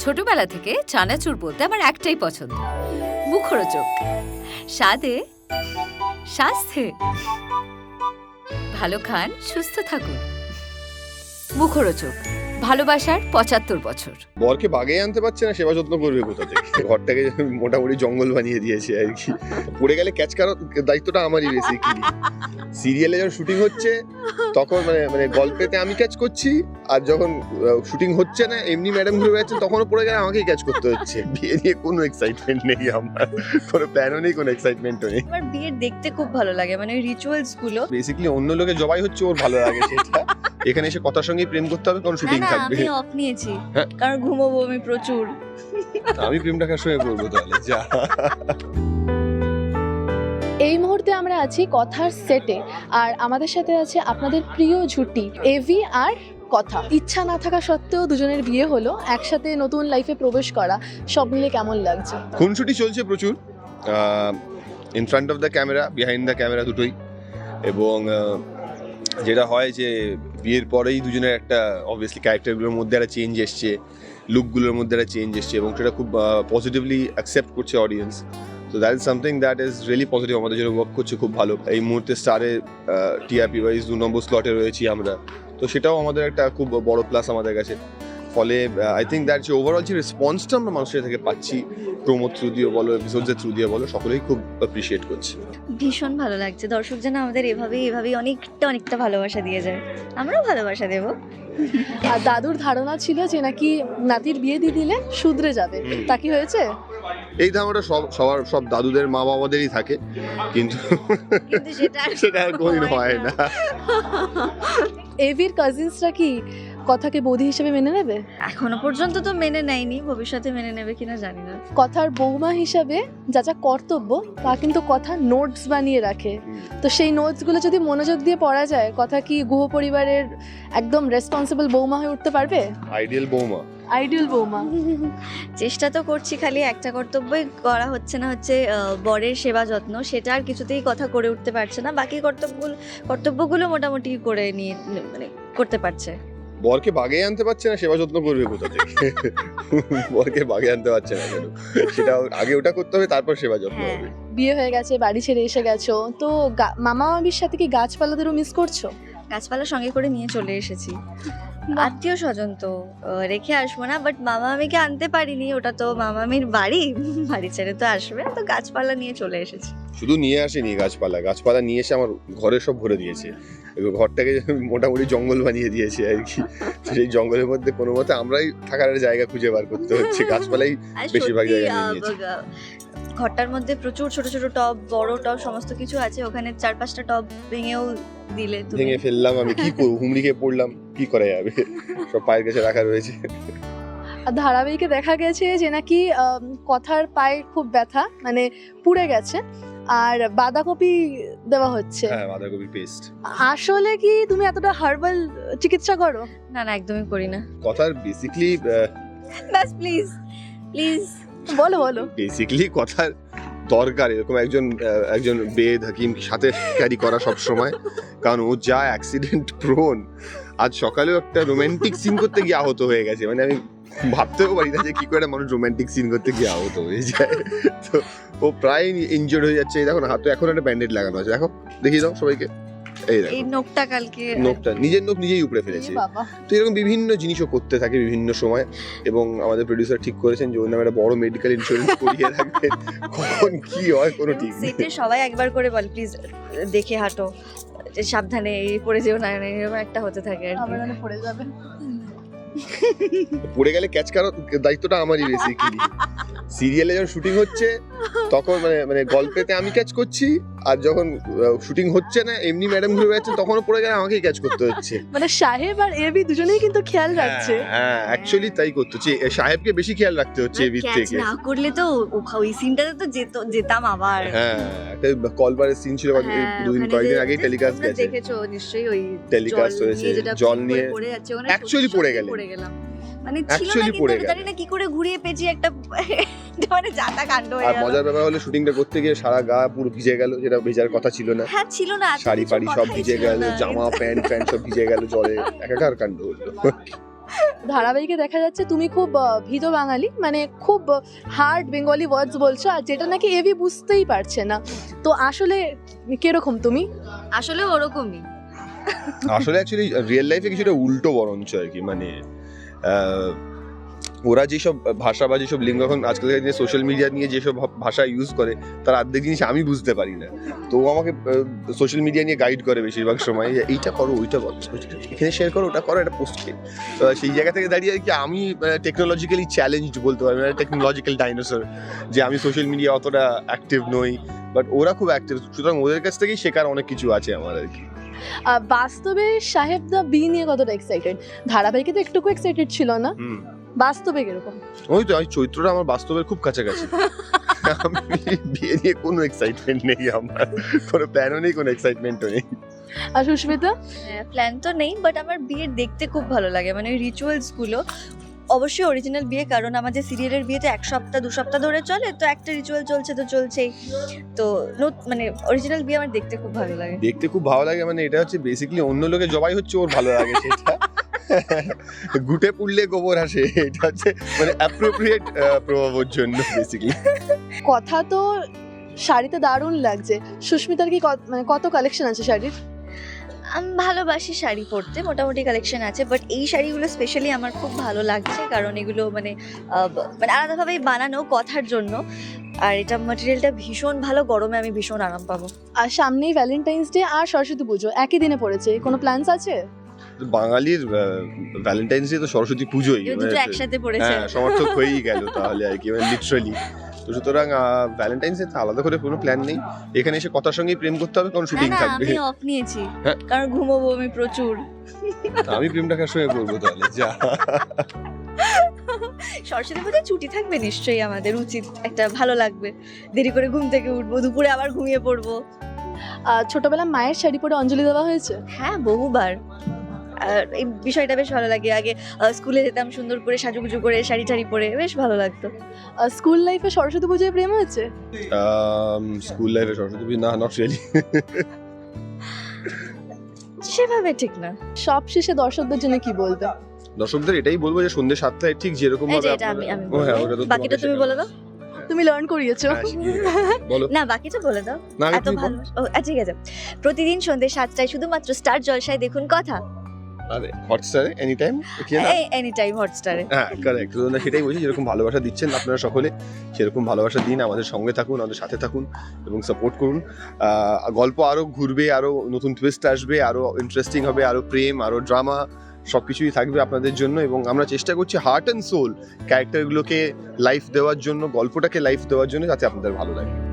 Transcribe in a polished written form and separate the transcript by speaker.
Speaker 1: ছোটবেলা থেকে চানাচুর বলতে আমার একটাই পছন্দ, মুখরোচক, স্বাদে স্বাস্থ্যে। ভালো খান, সুস্থ থাকুন। মুখরোচক, ভালোবাসার ৭৫ বছর।
Speaker 2: বরকে বাগে আনতে পারছে না, সেবা যত্ন করবে কোথা থেকে? ঘরটাকে মোটামুটি জঙ্গল বানিয়ে দিয়েছে আর কি। পড়ে গেলে ক্যাচ করার দায়িত্বটা আমারই বেসিক্যালি। সিরিয়ালে যখন শুটিং হচ্ছে তখন মানে গল্পেতে আমি ক্যাচ করছি, আর যখন শুটিং হচ্ছে না এমনি ম্যাডাম ঘুরে বেড়াচ্ছেন তখনও পড়ে গেলে আমাকেই ক্যাচ করতে হচ্ছে। বিয়ে নিয়ে কোনো এক্সাইটমেন্ট নেই আমার, কোনো প্ল্যানও নেই, কোনো এক্সাইটমেন্টও নেই।
Speaker 3: আমার বিয়ের দেখতে খুব ভালো লাগে, মানে রিচুয়ালস গুলো।
Speaker 2: বেসিক্যালি অন্য লোকে জবাই হচ্ছে ওর ভালো লাগে সেটা। এখানে এসে কথার সঙ্গেই প্রেম করতে হবে, কারণ শুটিং থাকবে।
Speaker 3: আমি অফ নিয়েছি
Speaker 2: হ্যাঁ।
Speaker 3: কারণ ঘুমোবো আমি প্রচুর।
Speaker 2: আমি প্রেমটা কার সঙ্গে করবো তাহলে? যা।
Speaker 4: এই মুহূর্তে আমরা আছি কথার সেটে, আর আমাদের সাথে আছে আপনাদের প্রিয় জুটি এভি আর কথা। ইচ্ছা না থাকা সত্ত্বেও দুজনের বিয়ে হলো, একসাথে নতুন লাইফে প্রবেশ করা, সব মিলে কেমন লাগছে?
Speaker 2: খুনসুটি চলছে প্রচুর, in front of the camera, behind the camera, দুটোই। এবং যেটা হয় যে বিয়ের পরেই দুজনের একটা অবভিয়াসলি ক্যারেক্টারগুলোর মধ্যে একটা চেঞ্জ এসছে, লুকগুলোর মধ্যে একটা চেঞ্জ এসছে, এবং সেটা খুব পজিটিভলি অ্যাকসেপ্ট করছে অডিয়েন্স। তো that is something that is really positive, আমাদের জন্য ওয়ার্ক করছে খুব ভালো। এই মুহূর্তে স্টারে টিআরপি ওয়াইজ ২ নম্বর স্লটে রয়েছি আমরা, তো সেটাও আমাদের একটা খুব বড় প্লাস আমাদের কাছে। ফলে আই থিঙ্ক দ্যাট যে ওভারঅল যে রেসপন্সটা আমরা মানুষের থেকে পাচ্ছি, প্রোমো থ্রু দিয়ে বলো, এপিসোডসের থ্রু দিয়ে বলো, সকলেই খুব অ্যাপ্রিশিয়েট করছে।
Speaker 3: ভীষণ ভালো লাগছে, দর্শক যেন আমাদের এভাবেই অনেকটা ভালোবাসা দিয়ে যায়, আমরাও ভালোবাসা দেবো।
Speaker 4: আর দাদুর ধারণা ছিল যে নাকি নাতির বিয়ে দিয়ে দিলে শুধরে যাবে, তা কি হয়েছে?
Speaker 2: এই ধারণাটা সব দাদুদের মা বাবাদেরই থাকে, কিন্তু সেটা আর কোনোদিন হয় না।
Speaker 4: এভির কাজিনসরা কি কথাকে বৌদি হিসেবে মেনে নেবে?
Speaker 3: এখনো পর্যন্ত তো মেনে নেয়নি, ভবিষ্যতে মেনে নেবে কিনা জানি না।
Speaker 4: কথার বৌমা হিসাবে যা যা কর্তব্য তা কিন্তু কথা নোটস বানিয়ে রাখে, তো সেই নোটসগুলো যদি মনোযোগ দিয়ে পড়া যায়, কথা কি গুহ পরিবারের একদম রেসপন্সিবল বৌমা হয়ে উঠতে পারবে?
Speaker 2: আইডিয়াল বৌমা।
Speaker 4: আইডিয়াল বৌমা।
Speaker 3: চেষ্টা তো করছি, খালি একটা কর্তব্যই করা হচ্ছে না, হচ্ছে বরের সেবা যত্ন, সেটা আর কিছুতেই কথা করে উঠতে পারছে না। বাকি কর্তব্যগুলো মোটামুটি করে নিয়ে মানে করতে পারছে।
Speaker 2: বরকে বাগে আনতে পারছে না, সেবা যত্ন করবে কোথা থেকে? বরকে বাগে আনতে পারছে না কেন? সেটা আগে ওটা করতে হবে, তারপর সেবা যত্ন হবে।
Speaker 4: বিয়ে হয়ে গেছে, বাড়ি ছেড়ে এসে গেছো, তো মামা মামির সাথে কি গাছপালাদেরও মিস করছো?
Speaker 3: গাছপালা সঙ্গে করে নিয়ে চলে এসেছি। আত্মীয় স্বজন তো রেখে আসবো না, বাট মামা মামিকে আনতে পারিনি, ওটা তো মামা মামির বাড়ি ছেড়ে তো আসবে, তো গাছপালা নিয়ে চলে এসেছি।
Speaker 2: শুধু নিয়ে আসেনি গাছপালা নিয়ে এসে আমার ঘরে সব ভরে দিয়েছে। ঘরটাকে মোটামুটি জঙ্গল বানিয়ে দিয়েছে আর কি। সেই জঙ্গলের মধ্যে কোনো মতে আমরাই থাকার জায়গা খুঁজে বার করতে হচ্ছে, গাছপালাই বেশিরভাগ জায়গা নিয়ে নিয়েছে।
Speaker 3: ঘরটার মধ্যে প্রচুর ছোট ছোট টব, বড় টব, সমস্ত কিছু আছে, ওখানে ৪-৫টা টব ভেঙেও দিলে।
Speaker 2: ভেঙে ফেললাম, আমি কি করবো, হুমড়ি খেয়ে পড়লাম, কি করা যাবে, সব পায়ের কাছে রাখা রয়েছে।
Speaker 4: আর ধারাবাহিকে দেখা গেছে যে নাকি কথার পায়ে খুব ব্যথা, মানে পুড়ে গেছে, আর বাঁধাকপি দেওয়া হচ্ছে।
Speaker 2: হ্যাঁ, বাঁধাকপি পেস্ট।
Speaker 4: আসলে কি তুমি এতটা হার্বাল চিকিৎসা করো?
Speaker 3: না, একদমই করি না।
Speaker 2: কথার বেসিক্যালি
Speaker 3: বাস প্লিজ
Speaker 4: বলো।
Speaker 2: বেসিক্যালি কথার দরকার এরকম একজন বেদ হাকিম সাথে ক্যারি করা সব সময়, কারণ ও যা অ্যাক্সিডেন্ট প্রোন। আজ সকালেও একটা রোমান্টিক সিন করতে গিয়ে আহত হয়ে গেছে, মানে আমি ভাবতেও পারি না যে কি করে মানুষ রোমান্টিক সিন করতে গিয়ে আহত হয়ে যায়। তো ও প্রায় ইনজোর্ড হয়ে যাচ্ছে। দেখো না, হাতে এখন একটা ব্যান্ডেড লাগানো আছে, দেখো, দেখিয়ে দাও সবাইকে। এই
Speaker 3: নোকটা কালকে,
Speaker 2: নোকটা নিজের নোক নিজেই উপড়ে ফেলেছে। তো এরকম বিভিন্ন জিনিসও করতে থাকে বিভিন্ন সময়, এবং আমাদের প্রোডিউসার ঠিক করেছেন যে ওর নামে একটা বড় মেডিকেল ইন্স্যুরেন্স করিয়ে রাখবেন, কখন কি হয় কোনো ঠিক নেই।
Speaker 3: সেটে সবাই একবার করে বল প্লিজ দেখে হাঁটো, সাবধানে পড়ে যেও না, এরকম একটা হতে থাকে আর কি।
Speaker 4: পড়ে যাবে,
Speaker 2: পড়ে গেলে ক্যাচ করার দায়িত্বটা আমারই বেসিক্যালি। সিরিয়ালে যখন শুটিং হচ্ছে তখন মানে গল্পেতে আমি ক্যাচ করছি, আর যখন শুটিং হচ্ছে না এমনি ম্যাডাম ঘুরে বেড়াচ্ছেন তখনও পড়ে গেলে আমাকেই ক্যাচ করতে হচ্ছে।
Speaker 4: মানে সাহেব আর এবি দুজনেই কিন্তু খেয়াল রাখছে।
Speaker 2: হ্যাঁ, অ্যাকচুয়ালি তাই করতে হচ্ছে, সাহেবকে বেশি খেয়াল রাখতে হচ্ছে এবির থেকে।
Speaker 3: না করলে তো ওই সিনটাতে তো যেতাম আবার।
Speaker 2: হ্যাঁ, একটা কলবারের সিন ছিল কয়েকদিন আগেই টেলিকাস্ট গেছে,
Speaker 3: দেখেছো নিশ্চয়ই, ওই
Speaker 2: টেলিকাস্ট হয়েছে, জল নিয়ে অ্যাকচুয়ালি পড়ে গেল,
Speaker 3: মানে ছিল না, কিন্তু আমি জানি না কি করে ঘুরিয়ে পেঁচিয়ে একটা মানে জাতা কাণ্ড হয়ে গেল।
Speaker 2: আর মজার ব্যাপার হলো শুটিংটা করতে গিয়ে সারা গা পুরো ভিজে গেল, যেটা ভেজার কথা ছিল না।
Speaker 3: হ্যাঁ, ছিল না,
Speaker 2: শাড়ি ফাড়ি সব ভিজে গেল, জামা প্যান্ট সব ভিজে গেল জলে, একাকার কাণ্ড হলো।
Speaker 4: ধারাবাহিকে দেখা যাচ্ছে তুমি খুব ভীত বাঙালি, মানে খুব হার্ড বেঙ্গলি ওয়ার্ডস বলছো, আর যেটা নাকি এভি বুঝতেই পারছে না। তো আসলে কিরকম তুমি?
Speaker 3: আসলে ওরকমই।
Speaker 2: আসলে অ্যাকচুয়ালি রিয়েল লাইফে কিছুটা উল্টো বরঞ্চ আর কি, মানে ওরা যেসব ভাষা বা যেসব লিঙ্গ এখন আজকালকার দিনে সোশ্যাল মিডিয়া নিয়ে যেসব ভাষা ইউজ করে তার অর্ধেক জিনিস আমি বুঝতে পারি না, তো ও আমাকে সোশ্যাল মিডিয়া নিয়ে গাইড করে বেশিরভাগ সময়, যে এইটা করো ওইটা করো এখানে শেয়ার করো ওটা করো এটা পোস্ট করে। তো সেই জায়গা থেকে দাঁড়িয়ে আর কি আমি টেকনোলজিক্যালি চ্যালেঞ্জড বলতে পারি, মানে টেকনোলজিক্যাল ডাইনোসর, যে আমি সোশ্যাল মিডিয়া অতটা অ্যাক্টিভ নই, বাট ওরা খুব অ্যাক্টিভ, সুতরাং ওদের কাছ থেকেই শেখার অনেক কিছু আছে আমার আর কি।
Speaker 4: বাস্তবে সাহেব দা বি নিয়ে কতটা এক্সাইটেড? ধারাবাহিকে তো একটুকু এক্সাইটেড ছিল না, বাস্তবে কিরকম?
Speaker 2: ওই তো চৈত্রটা আমার বাস্তবের খুব কাছাকাছি। আমি বিয়ে নিয়ে কোনো এক্সাইটমেন্ট নেই, আমার কোনো প্ল্যানও নেই, কোনো এক্সাইটমেন্টও নেই।
Speaker 4: আর সুস্মিতা?
Speaker 3: প্ল্যান তো নেই, বাট আমার বিয়ে দেখতে খুব ভালো লাগে, মানে রিচুয়ালস গুলো অবশ্যই অরিজিনাল বিয়ে, কারণ আমাদের সিরিয়ালের বিয়ে তো 1 সপ্তাহ 2 সপ্তাহ ধরে চলে, তো একটা রিচুয়াল চলছে তো চলছেই, তো মানে অরিজিনাল বিয়ে আমার দেখতে খুব ভালো লাগে।
Speaker 2: দেখতে খুব ভালো লাগে, মানে এটা হচ্ছে বেসিক্যালি অন্য লোকে জবাই হচ্ছে ওর ভালো লাগে সেটা। গুটে পুড়লে গোবর আসে, এটা হচ্ছে মানে অ্যাপ্রোপ্রিয়েট প্রভাবের জন্য বেসিক্যালি।
Speaker 4: কথা তো শাড়িতে দারুণ লাগছে। সুস্মিতার কি মানে কত কালেকশন আছে শাড়ির?
Speaker 3: আমি ভালোবাসি শাড়ি পরতে, মোটামুটি কালেকশন আছে, বাট এই শাড়িগুলো স্পেশালি আমার খুব ভালো লাগছে, কারণ এগুলো মানে মানে আলাদাভাবেই বানানো কথার জন্য, আর এটা ম্যাটেরিয়ালটা ভীষণ ভালো, গরমে আমি ভীষণ আরাম পাবো।
Speaker 4: আর সামনেই ভ্যালেন্টাইন্স ডে আর সরস্বতী পুজো একই দিনে পড়েছে, কোনো প্ল্যানস আছে?
Speaker 2: বাঙালির ভ্যালেন্টাইন্স ডে তো সরস্বতী পুজোই,
Speaker 3: এই দুটো একসাথে পড়েছে।
Speaker 2: হ্যাঁ সমর্থক হয়েই গেল তাহলে আর কি, মানে লিটারালি। তো সুতরাং ভ্যালেন্টাইন্স ডে আলাদা করে কোনো প্ল্যান নেই, এখানে এসে কথার সঙ্গেই প্রেম করতে হবে, কারণ
Speaker 3: না
Speaker 2: শুটিং
Speaker 3: না,
Speaker 2: থাকবে।
Speaker 3: আমি অফ নিয়েছি,
Speaker 2: হ্যাঁ।
Speaker 3: কারণ ঘুমোবো আমি প্রচুর।
Speaker 2: আমি প্রেমটা কার সঙ্গে করবো তাহলে? যা,
Speaker 3: সরস্বতী পুজোয় ছুটি থাকবে নিশ্চয়ই, আমাদের উচিত, একটা ভালো লাগবে, দেরি করে ঘুম থেকে উঠবো, দুপুরে আবার ঘুমিয়ে পড়বো।
Speaker 4: ছোটবেলা মায়ের শাড়ি পরে অঞ্জলি দেওয়া হয়েছে?
Speaker 3: হ্যাঁ, বহুবার। আর এই বিষয়টা বেশ ভালো লাগে, আগে স্কুলে যেতাম সুন্দর করে সাজুগুজু করে শাড়ি টাড়ি পরে, বেশ ভালো লাগতো।
Speaker 4: স্কুল লাইফে সরস্বতী পুজোয় প্রেম হয়েছে?
Speaker 2: স্কুল লাইফে সরস্বতী পুজো না, নট রিয়েলি।
Speaker 3: সেভাবে ঠিক না।
Speaker 4: সব শেষে দর্শকদের জন্য কি বলবে?
Speaker 2: দর্শকদের এটাই বলবো যে সন্ধ্যে 7টায় ঠিক যেরকম
Speaker 3: এই
Speaker 2: ভাবে
Speaker 3: যে এটা আমি
Speaker 2: ও হ্যাঁ, ওটা তো
Speaker 3: বাকিটা
Speaker 2: তোমাকে
Speaker 3: তুমি
Speaker 2: শেখানো।
Speaker 3: বলে দাও।
Speaker 4: তুমি লার্ন করিয়েছো।
Speaker 2: হ্যাঁ, শিখিয়ে গেছে। বলো
Speaker 3: না, বাকিটা বলে দাও।
Speaker 2: না,
Speaker 3: এত ভালো। ও ঠিক আছে। প্রতিদিন সন্ধ্যে 7টায় শুধুমাত্র স্টার জলসায় দেখুন কথা।
Speaker 2: আরে হটস্টারে এনি টাইম কি না?
Speaker 3: এনি টাইম হটস্টারে।
Speaker 2: হ্যাঁ কারেক্ট, তো সেটাই বলছি, যেরকম ভালোবাসা দিচ্ছেন আপনারা সকলে সেরকম ভালোবাসা দিন, আমাদের সঙ্গে থাকুন, আমাদের সাথে থাকুন এবং সাপোর্ট করুন। গল্প আরো ঘুরবে, আরো নতুন টুইস্ট আসবে, আরো ইন্টারেস্টিং হবে, আরো প্রেম, আরো ড্রামা, সবকিছুই থাকবে আপনাদের জন্য, এবং আমরা চেষ্টা করছি হার্ট অ্যান্ড সোল ক্যারেক্টারগুলোকে লাইফ দেওয়ার জন্য, গল্পটাকে লাইফ দেওয়ার জন্য, যাতে আপনাদের ভালো লাগে।